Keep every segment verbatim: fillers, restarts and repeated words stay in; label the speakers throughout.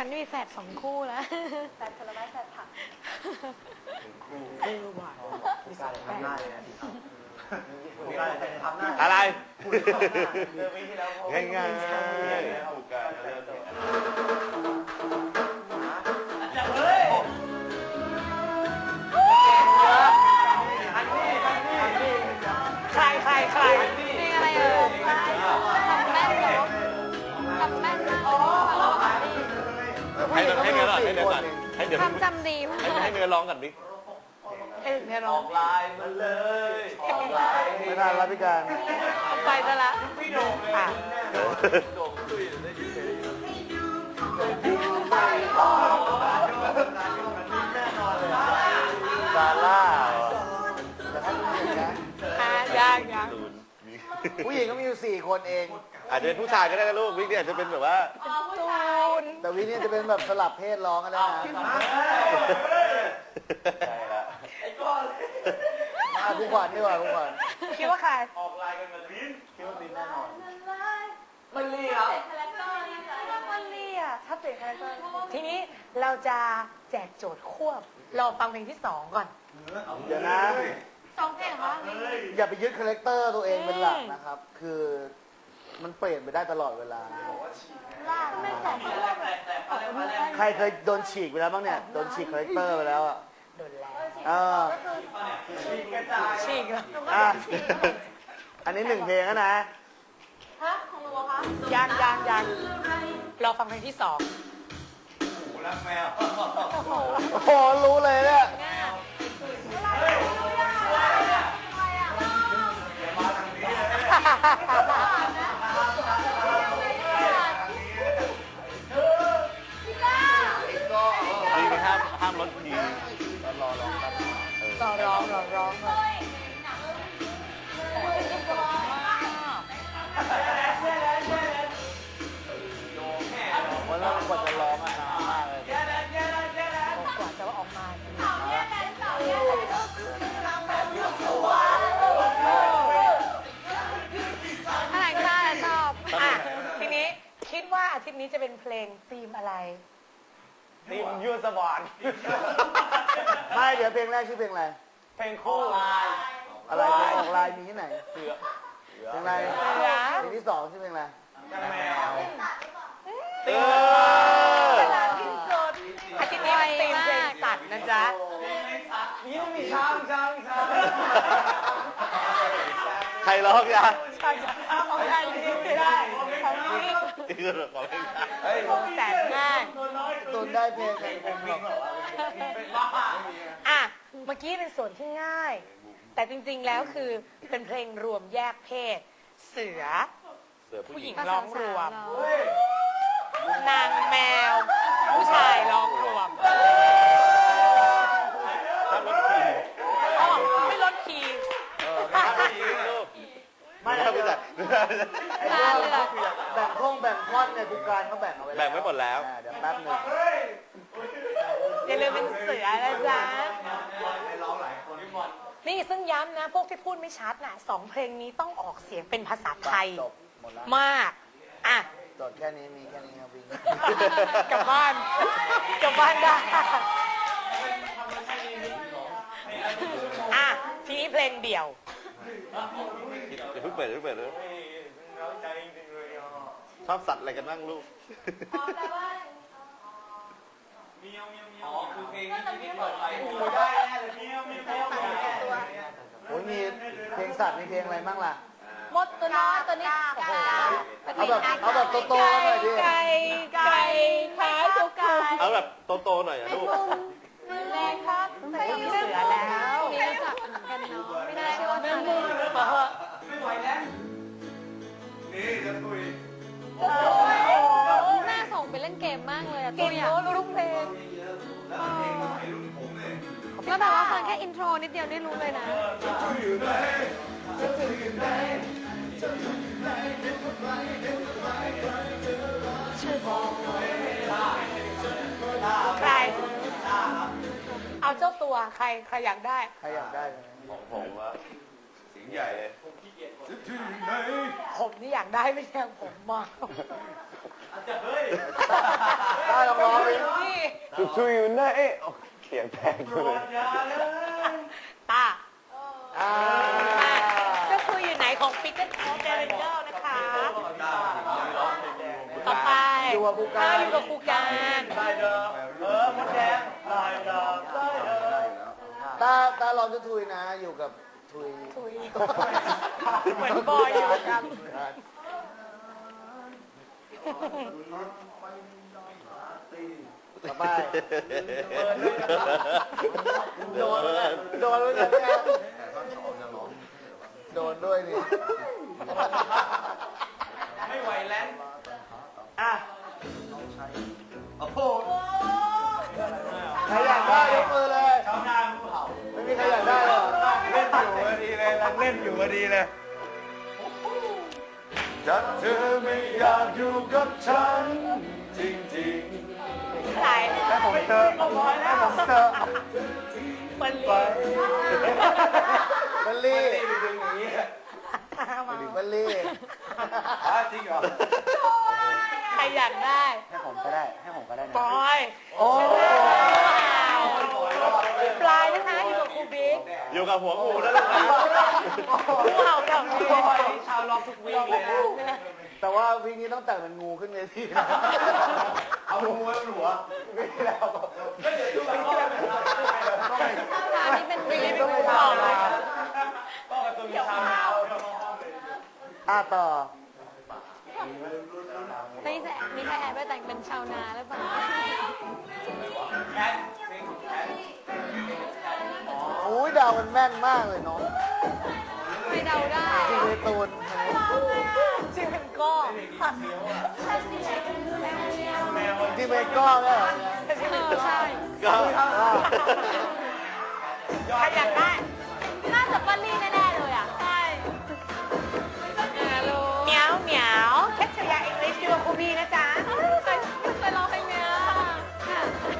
Speaker 1: นมีแฝดสองคู่แล้วแฝดผลไม้แฝดผัก
Speaker 2: คู่เออว่ะผู้การทำหน้าเลยนะผู้การจะทำหน้า
Speaker 3: อะไร
Speaker 2: ง่ายง่าย
Speaker 3: ผู้การเริ่ม
Speaker 2: เฮ้ย
Speaker 1: ใครใครใครเพลงอะไรเอ่ยทำแม่นเหรอทำแม่นมาก
Speaker 3: ให้ให้เนื้อก่อนให้เนื้อก่อนให้เนื้อ
Speaker 1: ทำจำดีมาก
Speaker 3: ให้เนื้อร้องกันดิ
Speaker 1: ให้เนื้อร้อง
Speaker 2: ลายมันเลยไม่ทันแล้วพี่การ
Speaker 1: ไปซะละ
Speaker 2: พี่โด่งเลยโด่งตุ้ยได้ยินเพลงซาร่าแต่ถ้าผู้หญิงนะ
Speaker 1: ยังยัง
Speaker 2: ผู้หญิงก็มีอยู่สี่คนเอง
Speaker 3: อาจจะเป็นผู้ชายก็ได้นะลูกวิกเนี่ยอาจจะเป็นแบบว่า
Speaker 1: ตูน
Speaker 2: แต่วิกเนี่ยจะเป็นแบบสลับเพศร้องก็ได้นะ
Speaker 3: ใช่ละ
Speaker 2: มาผู้ขวัญดีกว่าผู้ขวัญ
Speaker 1: คิดว่าใคร
Speaker 2: ออกลายกันมาบินคิดว่าบินแน่นอน
Speaker 1: มันเลี่ยมันเลี่ยถ้าเปลี่ยนคาแรคเตอร์ทีนี้เราจะแจกโจทย์ควบรอฟังเพลงที่สองก่อน
Speaker 2: เดี๋ยวนะ
Speaker 1: สองเพลงเหรอ
Speaker 2: อย่าไปยึดคาแรคเตอร์ตัวเองเป็นหลักนะครับคือมันเปลี่ยนไปได้ตลอดเวลาใครเคยโดนฉีกไปแล้วบ้างเนี่ยโดนฉีกคาแรคเตอร์ไปแล้วอ่ะ
Speaker 1: โดนแล้ว
Speaker 2: เออ
Speaker 1: ฉีกเหรอ
Speaker 2: อ่ะอันนี้หนึ่งเพลงนะ
Speaker 1: ฮะของหนูคะยังยังยังรอฟังเพลงที่สอง
Speaker 2: โอ้รักแมวโอ้โหรู้เลยเนี่ย
Speaker 3: นี่ห้ามห้ามลดทีรอร้องครับ
Speaker 1: รอร้องรอร้อง
Speaker 2: วันแรกกว่าจะร้องอ่ะนานมากเลย
Speaker 1: กว่าจะออกมาอะไรค่ะชอบอ่ะทีนี้คิดว่าอาทิตย์นี้จะเป็นเพลงธีมอะไร
Speaker 2: ทีมยูสบอนไม่เดี๋ยวเพลงแรกชื่อเพลงอะไรเพลงคู่อะไรเพลงออกลายมีที่ไหนเพลงอะไรเพลงที่สองชื่อเพลงอะไรแมว
Speaker 1: ตีมขนาดที่สุดอาทิตย์นี้เป็นตีมเพลงสัตว์นะจ๊ะ
Speaker 2: ยิ่งมีช้างช้างช้าง
Speaker 3: ใครร้องยา
Speaker 1: ช้างของใครยิ่งไม่ได้ของพี่
Speaker 3: นี่ก็ของเพลง
Speaker 1: แสนง่าย
Speaker 2: ตุนได้เพลงเพลงผมหรอก
Speaker 1: อ่ะเมื่อกี้เป็นส่วนที่ง่ายแต่จริงๆแล้วคือเป็นเพลงรวมแยกเพศเสือผู้หญิงร้องรวมนางแมวผู้ชายร้องรวมไม่ลดคีย์
Speaker 2: ไม่ได้ไม่ได้แบ่งห้องแบ่งท่อนเนี่ยทุกการเขาแบ่งเอาไว้
Speaker 3: แบ่งไว้หมดแล้ว
Speaker 2: เดี๋ยวแป๊บนึง
Speaker 1: อย่าลืมเป็นเสือนะจ๊ะนี่ซึ่งย้ำนะพวกที่พูดไม่ชัดน่ะสองเพลงนี้ต้องออกเสียงเป็นภาษาไทยมากอ่ะ
Speaker 2: จดแค่นี้มีแค่นี้ครับวิ่ง
Speaker 1: กลับบ้านกลับบ้านได้อ่ะทีนี้เพลงเดี่ยว
Speaker 3: อย่าเพิ่งเปิดอย่าเพิ่งเปิดเลยชอบสัตว์อะไรกันบ้างลูก
Speaker 2: อ๋อคือเพลงที่เปิดไปโอ้ได้แน่เลยเมียวเมียวเมียวโอ้ยมีเพลงสัตว์มีเพลงอะไรบ้างล่ะ
Speaker 1: มดตัวน้อยตัวนี้
Speaker 2: เอาแบบเอาแบบโตๆหน่อยดิ
Speaker 1: ไก่ไก่ขาสุกไก่
Speaker 3: เอาแบบโตๆหน่อยอะลูก
Speaker 1: แรงครับไม่มีเสือแล้วมีจับเหมือนกันเนาะไม่ได้เชื่อว่าจะ
Speaker 2: ไม่ไหวแล้วนี่จะคุย
Speaker 1: โอ้โหแม่ส่งไปเล่นเกมมากเลยอะตัวอย่างรู้ทุกเพลงแล้วแบบว่าฟังแค่อินโทรนิดเดียวได้รู้เลยนะใครเอาเจ้าตัวใครใครอยากได้
Speaker 2: ใครอยากได้
Speaker 3: ของผมว่าเสียงใหญ่เลย
Speaker 1: ผมนี่อยากได้ไม่ใช่ผมมา
Speaker 2: ได้ลองร้อง
Speaker 3: ทุยอยู่ไหนเขียงแตกเลย
Speaker 1: ตา
Speaker 2: อ่า
Speaker 1: เจ้าคุยอยู่ไหนของปิกเกิลออฟเดริเกิลนะคะ ต่อไป
Speaker 2: อยู่กับครูการ
Speaker 1: อ่อยู่กับครูการ
Speaker 2: ตาตาลองจะทุยนะ อยู่กับทุย
Speaker 1: ทุยเหมือนบอยอยู่กัน
Speaker 2: ต่อไปโดนเลยโดนเลยเนี่ยโดนด้วยนี่
Speaker 4: ไม่ไหวแล้ว
Speaker 2: อ่ะโอ้โหใครอยากได้ยกมือเลย
Speaker 4: ชาวนาภูเขา
Speaker 2: ไม่มีใครอยากได้หรอ
Speaker 4: เล่นอยู่พอดีเลยรังเล่นอยู่พอดีเลย
Speaker 3: จัดเธอไม่อยากอยู่กับฉันจริง
Speaker 1: ใคร
Speaker 2: ให้ผมเจอให้ผมเจอ
Speaker 1: มัน
Speaker 3: ๆ
Speaker 1: ลี
Speaker 3: ไป
Speaker 2: บัลลี่
Speaker 4: ดึงอย่างนี้
Speaker 2: บัลลี่
Speaker 4: อ่ะจริงเหรอ
Speaker 1: ใครอยากได้
Speaker 2: ให้ผมก็ได้ ให้ผมก็ได้
Speaker 1: บ
Speaker 2: นะ
Speaker 1: อย
Speaker 2: โอ้
Speaker 1: ปลายนะคะอยู่กับครูบิ๊ก
Speaker 3: อยู่กับหัวงูแล้วลูกนะ
Speaker 1: งูเห่าแบบนี้
Speaker 4: บอยชาวล็อกทุกวีคเลยนะ
Speaker 2: แต่ว่าวีคนี้ต้องแต่งเป็นงูขึ้นเวทีนะ
Speaker 4: เอางูไว้บนหัว
Speaker 2: ไม่แล้ว
Speaker 4: ก็เดี๋ยวดูกันว่าเป็นอะไร
Speaker 1: อันนี้เป็นวีคเป็นงูเห่าเลย
Speaker 4: ก็การ์ตูนชาวนา
Speaker 2: อ่ะต่อ
Speaker 5: ไม่ใช่มีใครแอบไปแต่งเป็นชาวนาหรือเปล่า
Speaker 4: แคทเพลงของแคท
Speaker 2: โอ้ยดาวมันแม่นมากเลยน้อง
Speaker 5: ไม่เดาได้
Speaker 2: จริงเลยตูน
Speaker 1: ชื่อเป็นก็
Speaker 4: แมว
Speaker 2: จริงเป็นก้อนเนี่ย
Speaker 5: เออใช่
Speaker 3: ก็
Speaker 1: ใครอยากได้
Speaker 5: น่าจะป้าลี่แน่ๆเลยอ่ะ ใช่ฮัลโหล
Speaker 1: เหมียวเหมียวแคทชยาอังกฤษอยู่กับครูบีนะจ๊ะ
Speaker 5: เคยเคยร้องเพลงเนี้ยค่ะ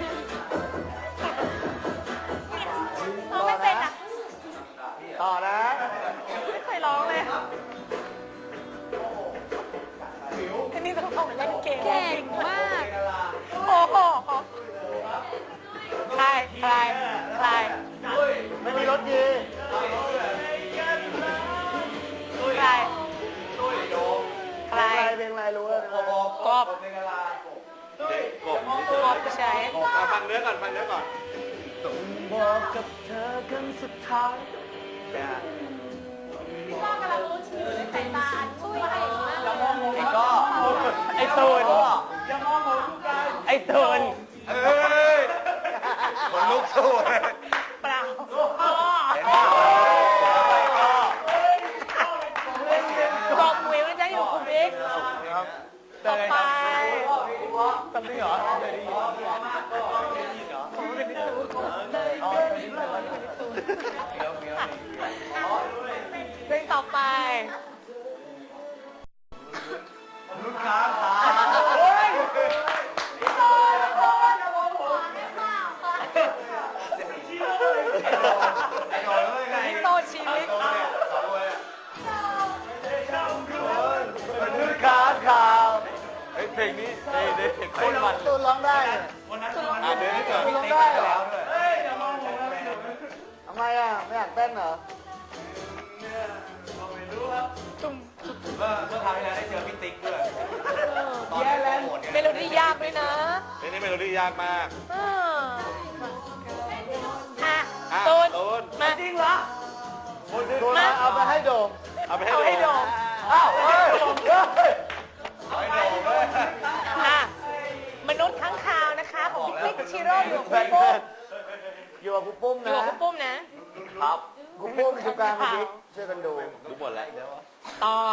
Speaker 5: ร้องไม่เป็นอ่ะ
Speaker 2: ต่อนะ
Speaker 1: ไม่เคยร้องเลยอันนี้ต้องของเล่นเกม
Speaker 5: เก่งมาก
Speaker 1: โอ้โหใครใครใคร
Speaker 2: ไม่มีรถดี
Speaker 1: ใครใคร
Speaker 2: เพลงอะไรเพลงอะไรรู้แล้วนะ
Speaker 1: กอบ
Speaker 4: เป็นกะลา
Speaker 3: กบ
Speaker 1: กอบใช้
Speaker 3: ฟังเนื้อก่อนฟังเนื้อก่อน
Speaker 2: บอกกับเธอกันสุดท้าย
Speaker 5: พ่อกำลังรู้ชื่อในสายตาช่วยให้มาก
Speaker 4: ไอ้ก็
Speaker 1: ไอ้ตูน
Speaker 4: อย่ามองผมทุกการ
Speaker 1: ไอ้ตูน
Speaker 4: เอ้ยคนลุกสู้เลย
Speaker 1: เปล่า
Speaker 4: เห็นป่าวไปก็
Speaker 1: บอกหมวยว่าจะอยู่คุณบิ๊กต่อไป
Speaker 4: ตำนี่เหรอผมเป็นพี่ตูนอ๋อเป็นพี่ตูนเดี๋ยวเดี๋ยว
Speaker 1: เพลงต่อไป
Speaker 4: ลูกค้าขาโอ้ย
Speaker 1: พี่โตชีวิต
Speaker 3: ลูกค้าข่าวไอ้เพลงนี้เด็ดเด็ดโคตรมัน
Speaker 2: ตูนร้องได้เนี่ย
Speaker 3: อ่ะเดี๋ยวนี้ก่อน
Speaker 2: ตูนร้องได้เหรอ
Speaker 4: เฮ้ยอย่ามองผมนะ
Speaker 2: ทำไมอ่ะ ไม่อยากเต้นเหรอ
Speaker 4: ไม่รู้ครับตุ้มเมื่อเมื่อคราวที่แล้วได้เจอพี่ติ๊กด้วยตอน
Speaker 1: แย่
Speaker 4: นี้
Speaker 1: แล้ว
Speaker 4: โหด
Speaker 1: เมโลดี้ยากด้วยนะ
Speaker 3: เพลงนี้เมโลดี้ยากมาก
Speaker 1: อ่าอ่ะ
Speaker 3: อ่ะ
Speaker 1: ตูน
Speaker 3: ตูน
Speaker 1: มาจริงเหรอ
Speaker 2: ตูนเอาเอาไปให้โดม
Speaker 3: เอาไปให้
Speaker 1: เอาให้โด
Speaker 3: ดู
Speaker 1: ม
Speaker 2: อ้าวเฮ้ยเฮ้ย
Speaker 4: ไม่โดนเลย
Speaker 1: อ่ะมนุษย์ข้างคาวนะคะของพี่ปิ๊กชิโร่อยู่กับคุณปุ้ม
Speaker 2: อยู่กับครูปุ้ม
Speaker 1: อยู่
Speaker 2: นะ
Speaker 1: กับคุณปุ้มนะ
Speaker 3: ครับ
Speaker 2: ครูปุ้มอยู่กลางพี่บิ๊กช่วยกันดู
Speaker 3: รู้หมดแล้ว
Speaker 1: ต่อ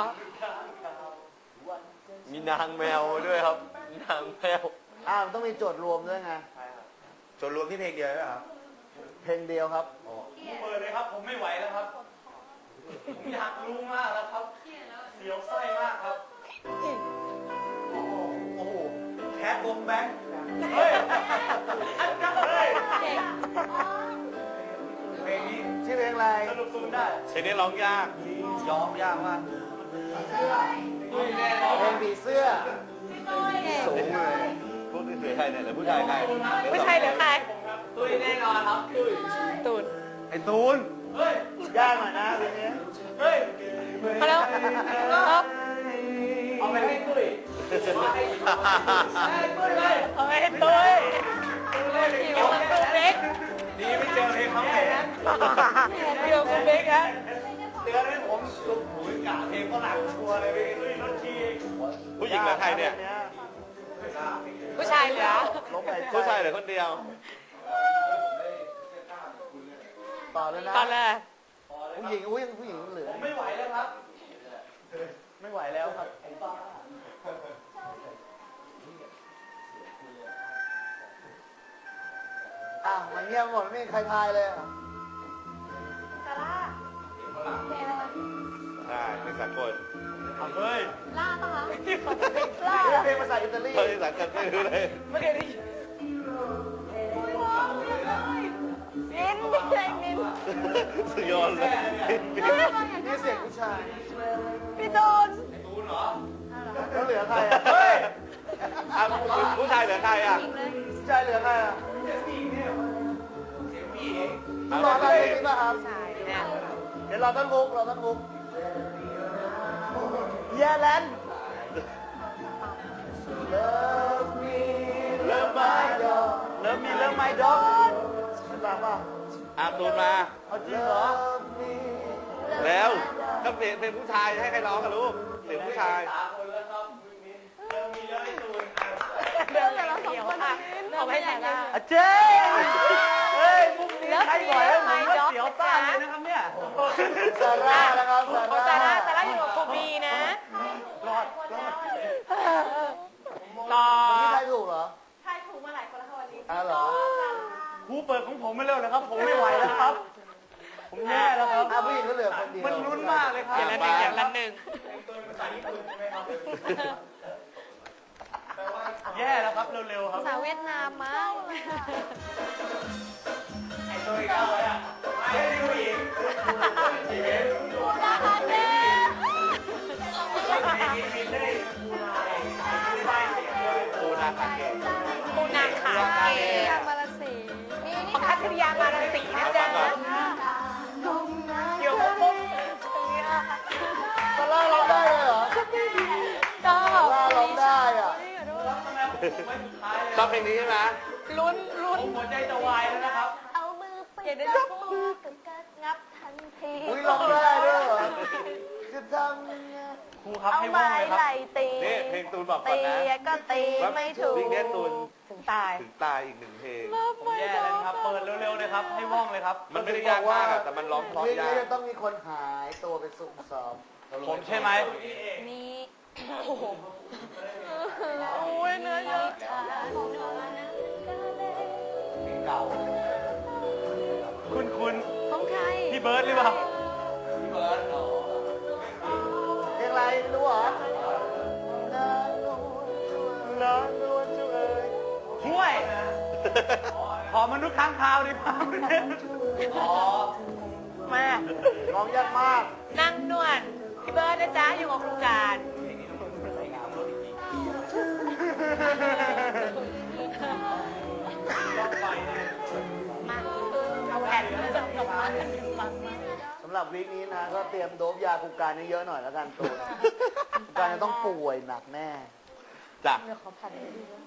Speaker 3: มีนางแมวด้วยครับ นางแมว
Speaker 2: อ้าวมันต้องมีโจทย์รวมด้วยไง
Speaker 4: ส่วนรวมที่เพลงเดียวใช่ไหมครับ
Speaker 2: เพลงเดียวครับ
Speaker 4: เปิดเลยครับผมไม่ไหวแล้วครับผมอยากรู้มากแล้วครับเสียวไส้มากครับโอ้โหโอ้โหแคทวงแบงค์เฮ้ยเฮ้ย
Speaker 5: เก่ง
Speaker 4: เพลงนี้
Speaker 2: ชื่อเพลงอะไร
Speaker 4: สนุกสุดได้
Speaker 3: เพลงนี้ร้องยาก
Speaker 4: ยอมยากมากด้วยแน่นอน
Speaker 2: เพลงผีเสื้อ
Speaker 5: เก่ง
Speaker 3: สูงเลยพูดถึงเหลือใครเนี่ยเหลือผู้ชายใคร
Speaker 1: ผู้ชายเหลือใคร
Speaker 4: ตุ้ยแน่นอนครับตุ้ย
Speaker 1: ตูน
Speaker 2: ไอ้ตูน
Speaker 4: เฮ้ย
Speaker 2: ยากหน่อยนะเพลงนี้
Speaker 4: เฮ้ย
Speaker 1: มาแล้วครับ
Speaker 4: เอาไปให้ตุ้ยเอาให้ตุ้ยเลย
Speaker 1: เอาให้ตุ้ยอยู่กับคุณเบก
Speaker 4: ดีไม่เจอเพลงเขาแหน
Speaker 1: อยู่กับคุณเบกนะ
Speaker 4: เตือนให้ผมสุดหูกะเพลงฝรั่งชัวร์เลยไปตุ้ยรถที
Speaker 3: ผู้หญิงเหลือใครเนี่ย
Speaker 1: ผู้ชายเหลือ
Speaker 2: ลบหายใจ
Speaker 3: ผู้ชายเหลือคนเดียว
Speaker 2: ต่อเลยนะ
Speaker 1: ตอนแรก
Speaker 2: ผู้หญิงอุ้ยผู้หญิงเหลือ
Speaker 4: ผมไม่ไหวแล้วครับ
Speaker 2: ไม่ไหวแล้วครับอ้าวมันเงียบหมดไม่มีใครทายเลยอ่ะ
Speaker 3: ใช่เป็นสากล
Speaker 4: เฮ้ย
Speaker 5: ล่าปะคะ
Speaker 2: ล่าเพลงภาษาอิตาลี
Speaker 3: เฮ้ยสากลไม่รู้เลย
Speaker 1: ไม่เคยได้ยิน
Speaker 5: มินไม่ใช่มิน
Speaker 3: สุดยอดเลย
Speaker 2: นี่เสียงผู้ชาย
Speaker 5: พี่โดน
Speaker 4: ตูนเหรอ
Speaker 2: แล้วเหลือใครอ่ะ
Speaker 3: เฮ้ยอ่ะผู้ชายเหลือใครอ่ะ
Speaker 2: ผู้ชายเหลือใครอ่ะ
Speaker 4: เสียงผู้หญิงเนี่ยเสียงผู้หญิง
Speaker 2: รอตอนเพลงนี้ป่ะครับ
Speaker 1: ใช่เนี่ย
Speaker 2: เดี๋ยวรอต้นฮุกรอต้นฮุกเยแลน Love me Love my dog Love me Love my dog เป็นหลักป่ะ
Speaker 3: อาตูนมา
Speaker 2: เอาจริงเหรอ Love me
Speaker 3: แล้วก็เพลงเพลงผู้ชายให้ใครร้องกันลูกเสียงผู้ชาย
Speaker 4: สามคนแล้วครับเริ่มมีแล้วไอ้ตูนอ่ะ
Speaker 1: เรื่องแต่เราสองคนอ่ะเอาให้แต่ละ
Speaker 2: อาเจ๊เฮ้ยมุกนี้ใครบ่อยแล้วผมว่า
Speaker 1: เสียวซ่านเลยนะครับเนี่ย
Speaker 2: ซาร่านะครับ
Speaker 1: โอ้
Speaker 2: ซา
Speaker 1: แต่
Speaker 2: ร่า
Speaker 1: ละแต่ละอยู่กับครูบีนะ
Speaker 2: รอดรอด
Speaker 1: รอ
Speaker 2: นี่ใครถูกเหรอ
Speaker 5: ใช่ถูกมาหลายคนแล้วค่ะวันนี้
Speaker 2: อ้าวเหรอ
Speaker 4: ครูเปิดของผมไม่เร็วนะครับ ผมไม่ไหวแล้วครับ ผมแย่แล้วครับ
Speaker 2: อ่ะผู้หญิงก็เหลือคนเดียว
Speaker 4: มันลุ้นมากเลยครับ
Speaker 1: อย่างละหนึ่งอย่างละหนึ่ง
Speaker 4: แย่แล้วครับเร็วๆครับ
Speaker 5: ภาษาเวียดนามมากเลยอะ
Speaker 4: ไอ้ตัวอีกแล้วเลยอ่ะไม่ใช่ผู้หญิงชีวิต
Speaker 5: นะคะเจ๊
Speaker 4: มีได้ได้เสียงด้วย
Speaker 3: ตูนาคาเกะ
Speaker 1: ปูนาขาเก
Speaker 5: ยางมาลาสีนี่นี่
Speaker 1: ของคัทริยามาราศีนะจ๊ะอยู่กับปุ๊บตรงนี้อ่ะ
Speaker 2: ซาร่าร้องได้เลยเหรอ
Speaker 5: ชอบ
Speaker 2: ซาร่าร้องได้อ่ะ
Speaker 3: ชอบเพลงนี้ใช่ไหม
Speaker 1: ลุ้นลุ้น
Speaker 4: ผมหัวใจจะวายแล้วนะครับ
Speaker 5: เอามือไปจับมือกับกัดงับทันที
Speaker 2: อุ้ยร้องได้ด้วยเหรอจะทำยังไง
Speaker 4: ครูครับ
Speaker 5: เอา
Speaker 4: ให้ว่อง
Speaker 5: ไม้
Speaker 4: เลยครับ
Speaker 5: ไหลตี
Speaker 3: นี่เพลงตูนบอกก่อน
Speaker 5: ตี
Speaker 3: นะ
Speaker 5: ก็ตีไม่ถูก
Speaker 3: วิ่งเนี้ยตูน
Speaker 1: ถึงตาย
Speaker 3: ถึงตายอีกหนึ่งเพลง
Speaker 4: ผมแย่เลยครับ เปิดเร็วๆเลยครับ ให้ว่องเลยครับ
Speaker 3: มันไม่ได้ยากมากอะแต่มันร้องเพราะ
Speaker 2: เพลง
Speaker 3: ยา
Speaker 2: นี้
Speaker 3: ก
Speaker 2: จะต้องมีคนหายตัวไปสุ่มสอบ
Speaker 4: ผมใช่ไหม
Speaker 5: นี่
Speaker 1: โอ้ยเนื้อเยอะ
Speaker 2: เก่า
Speaker 4: คุณคุณ
Speaker 5: ของใคร
Speaker 4: พี่เบิร์ดหรือเปล่า
Speaker 2: เพลงอะไรไม่รู้เหรอน้องนวลจุเอ๋ย
Speaker 4: ห่วย ขอมนุษย์ค้างคาวดีกว่าอ๋อ
Speaker 1: มา
Speaker 2: ร้องยากมาก
Speaker 1: นั่งนวดพี่เบิร์ดนะจ๊ะอยู่กับครูการมาเอาแผ่นมาจากดอกไม้ฟังมา
Speaker 2: สำหรับวีคนี้นะ ก็เตรียมโดบยาคูการเยอะๆหน่อยแล้วกันตูนคูการจะต้องป่วยหนักแน่
Speaker 3: จ้ะ
Speaker 1: เดี๋ยวขอแผ่นให้ดูด้วย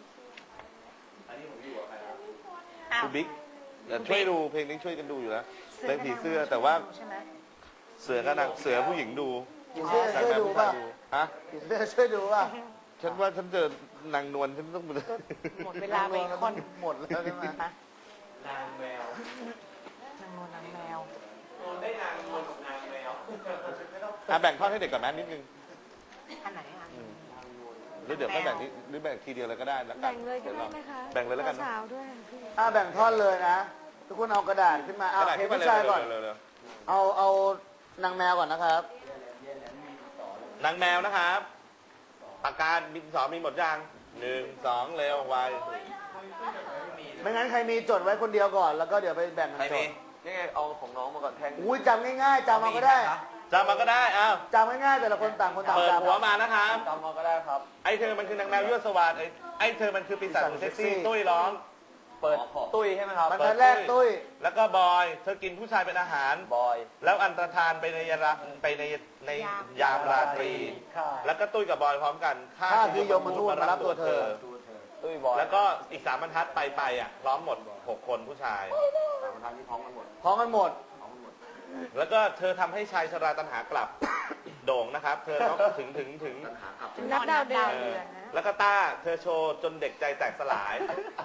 Speaker 3: คุณบิ๊กเดี๋ยวช่วยดูเพลงนี้ช่วยกันดูอยู่แล้วเพลงผีเสื้อแต่ว่า
Speaker 1: ใช่ไหม
Speaker 3: เสือกับนางเสือผู้หญิงดู
Speaker 2: ผีเสื้อช่วยดูป่ะ
Speaker 3: ฮะ
Speaker 2: ผีเสื้อช่วยดูป่ะ
Speaker 3: ฉันว่าฉันเจอนางนวลฉันต้อง
Speaker 1: หมดเวลาไปอีกคน
Speaker 2: หมดแล้วใช่ไหม
Speaker 1: ฮะ
Speaker 4: นางแมวน
Speaker 1: างนวลนางแมว
Speaker 4: โดนได้นางนวลกับนางแมว
Speaker 3: อ่ะแบ่งท่อนให้เด็กก่อนนะนิดนึง
Speaker 1: อันไหนอ่ะ
Speaker 3: หรือเดี๋ยวค่อยแบ่งนิดหรือแบ่งทีเดียวเลยก็ได้แล้วกั
Speaker 5: แบ่
Speaker 3: น
Speaker 5: งเลยก็ได้ไหมคะ
Speaker 3: แบ่งเลยแล้วกันนะ
Speaker 5: สาวๆด้วยพี่
Speaker 2: อ่ะแบ่งท่อนเลยนะ ทุกคนเอากระดาษขึ้นมาเอา
Speaker 3: กระดาษ
Speaker 2: เพล
Speaker 3: ขึ้
Speaker 2: ง
Speaker 3: นมา
Speaker 2: ผู้ชายก่อน
Speaker 3: เร็วๆเร็ว
Speaker 2: เอาเอานางแมวก่อนนะครับ
Speaker 3: ๆนางแมวนะครับปากกาบินสองมีหมดยังหนึ่งสองเร็วไว
Speaker 2: ไม่งั้นใครมีจดไว้คนเดียวก่อน แล้วก็เดี๋ยวไปแบ่งกัน
Speaker 3: ใคร
Speaker 2: จ
Speaker 3: มี
Speaker 2: ด
Speaker 4: นี่ไงเอาของน้องมาก่อนแทง
Speaker 2: อุ้ยจำง่ายๆจำเอาก็ได้
Speaker 3: จำมาก็ได้อ้าว
Speaker 2: จำง่ายๆแต่ละคนต่างคนต่าง
Speaker 3: เปิด
Speaker 2: จำ
Speaker 3: หัวมานะครับ
Speaker 4: จำมาก็ได้ครับ
Speaker 3: ไอเธอมันคือนางแมวยั่วสวาดไอไอเธอมันคือปีศาจสุดเซ็กซี่ตุ้ยร้อง
Speaker 4: เปิดตุ้ยใช่ไหมครับ
Speaker 2: บรรทัดแรกตุ้ย
Speaker 3: แล้วก็บอย เธอกินผู้ชายเป็นอาหาร
Speaker 4: บอย
Speaker 3: แล้วอันตรธานไปในยามไปในในยามราตรี
Speaker 4: ค่ะ
Speaker 3: แล้วก็ตุ้ยกับบอยพร้อมกัน
Speaker 2: ข้าคือยมทูตมารับตัวเธอ
Speaker 4: ตุ้ยบอย
Speaker 3: แล้วก็อีกสามบรรทัดไปไปอ่ะพร้อมหมดหกคนผู้ชาย
Speaker 4: สามทางที่พร้อมกันหมด
Speaker 2: พร้อมกันหมด
Speaker 3: แล้วก็เธอทำให้ชายชราตัณหากลับ โด่งนะครับ เธอต้องถึงถึงถึง
Speaker 1: นับดาวเดือน
Speaker 3: เออแล้วก็ต้าเธอโชว์จนเด็กใจแตกสลาย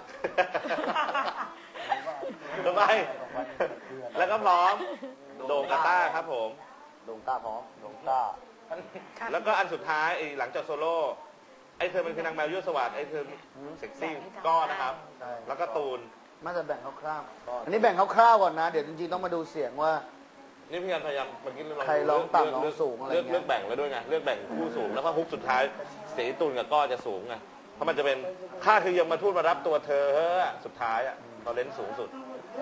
Speaker 3: ทำไมแล้วก็พร้อมโด่งกับต้าครับผม
Speaker 4: ดงต้าพร้อมดงต้า
Speaker 3: แล้วก็อันสุดท้ายไอ้หลังจากโซโล่ไอ้เธอมันคือนางแมวยั่วสวัสดไอ้เธอเซ็กซี่ก็นะครับ
Speaker 2: ใช่
Speaker 3: แล้วก็ตูน
Speaker 2: มาจะแบ่งคร่าวๆอันนี้แบ่งคร่าวๆก่อนนะ เดี๋ยวจริงๆต้องมาดูเสียงว่า
Speaker 3: นี่พี่กันพยายามเมื่อกี้
Speaker 2: ใครร้องต่ำร้องสูงอะไร
Speaker 3: เลือก
Speaker 2: เงี้ย
Speaker 3: เลือกแบ่งไว้ด้วยไงเลือกแบ่งคู่สูงแล้วก็ฮุกสุดท้ายเสียงตูนกับก้อจะสูงไงเพราะมันจะเป็นค่าคือยังมาทูตมารับตัวเธอเฮ้อสุดท้ายอ่ะเราเล่นสูงสุด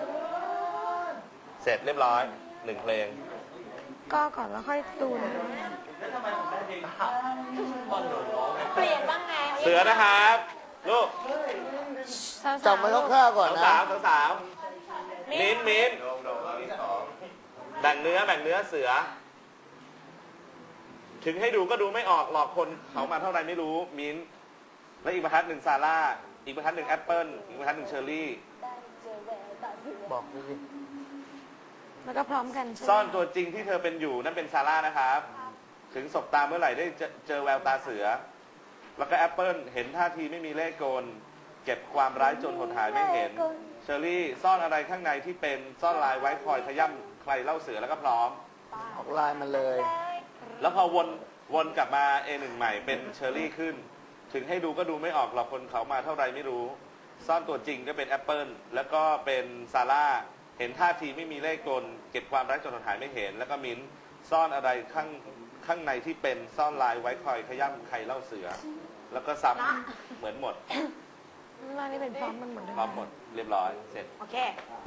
Speaker 3: เสร็จเรียบร้อยหนึ่งเพลง
Speaker 1: ก็ก่อนแล้วค่อยตูน
Speaker 5: เปลี่ยนบ้างไง
Speaker 3: เสือนะครับลูก
Speaker 2: จำไว้คร่าวๆก่อน
Speaker 3: สาว
Speaker 2: นะ
Speaker 3: สาวสาวมิ้นมิ้นแบ่งเนื้อแบ่งเนื้อเสือ ถึงให้ดูก็ดูไม่ออกหลอกคนเขามาเท่าไรไม่รู้มิ้นและอีกบรรทัดหนึ่งซาร่าอีกบรรทัดหนึ่งแอปเปิลอีกบรรทัดหนึ่งเชอร์รี่
Speaker 2: บอกดูสิ
Speaker 1: แล้วก็พร้อมกันใช่ไหม
Speaker 3: ซ่อนตัวจริงที่เธอเป็นอยู่นั่นเป็นซาร่านะครับ ถึงศบตาเมื่อไหร่ได้เจอเจอแววตาเสือ แล้วก็แอปเปิลเห็นท่าทีไม่มีเล่ห์กลเก็บความร้ายจนหดหายไม่เห็นเชอรี่ซ่อนอะไรข้างในที่เป็นซ่อนลายไว้คอยขย่ำใครเล่าเสือแล้วก็พร้อม
Speaker 2: ออกลายมันเลย
Speaker 3: แล้วพอวนวนกลับมา เอ หนึ่ง ใหม่เป็นเชอรี่ขึ้น ถึงให้ดูก็ดูไม่ออกหรอกคนเขามาเท่าไรไม่รู้ ซ่อนตัวจริงก็เป็นแอปเปิลแล้วก็เป็นซาร่าเห็นท่าทีไม่มีเล่ห์กลเก็บความรักจนหดหายไม่เห็น แล้วก็มิ้นซ่อนอะไรข้างข้างในที่เป็นซ่อนลายไว้คอยขย่ำใครเล่าเสือ แล้วก็ซ้ำเหมือนหมด
Speaker 1: ว่านี่เป็นพร้อมมันหมดเลย
Speaker 3: พร้อมหมดเรียบร้อยเสร็จ
Speaker 1: โอเค